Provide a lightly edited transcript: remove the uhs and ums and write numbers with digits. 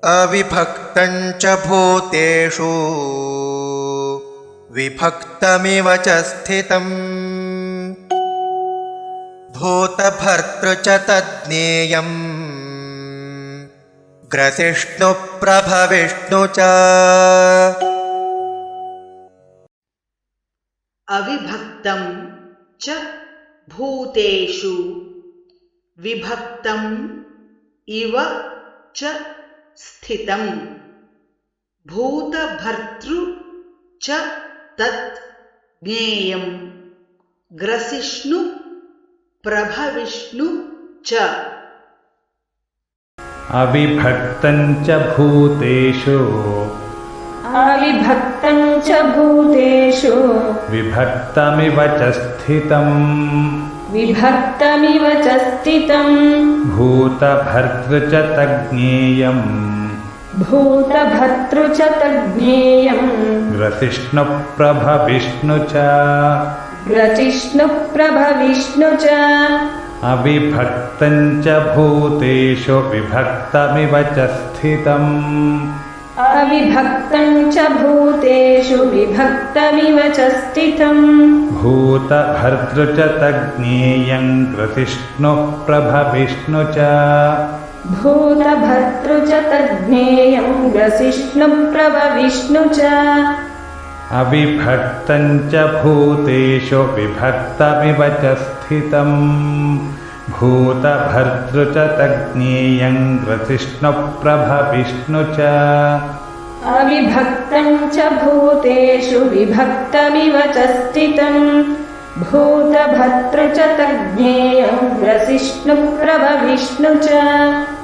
अविभक्तं च भूतेषु विभक्तमिव च स्थितम् भूतभर्तृ च तज्ज्ञेयम् ग्रसिष्णुप्रभविष्णु च। अविभक्तं च भूतेषु विभक्तम् इव च स्थितम् भूतभर्तृ च तत् ज्ञेयम् ग्रसिष्णु प्रभविष्णु च। अविभक्तं च भूतेषु विभक्तमिव च स्थितम् भूतभर्तृ च तज्ज्ञेयम् ग्रसिष्णुप्रभविष्णु च। अविभक्तं च भूतेषु विभक्तमिव च स्थितम् भूतभर्तृ च तज्ज्ञेयम् ग्रसिष्णुप्रभविष्णु च। अविभक्तं च भूतेषु विभक्तमिव च स्थितम् भूतभर्तृ च तज्ज्ञेयम् ग्रसिष्णुप्रभविष्णु च। अविभक्तं च भूतेषु विभक्तमिव च स्थितम् भूतभर्तृ च तज्ज्ञेयम् ग्रसिष्णुप्रभविष्णु च।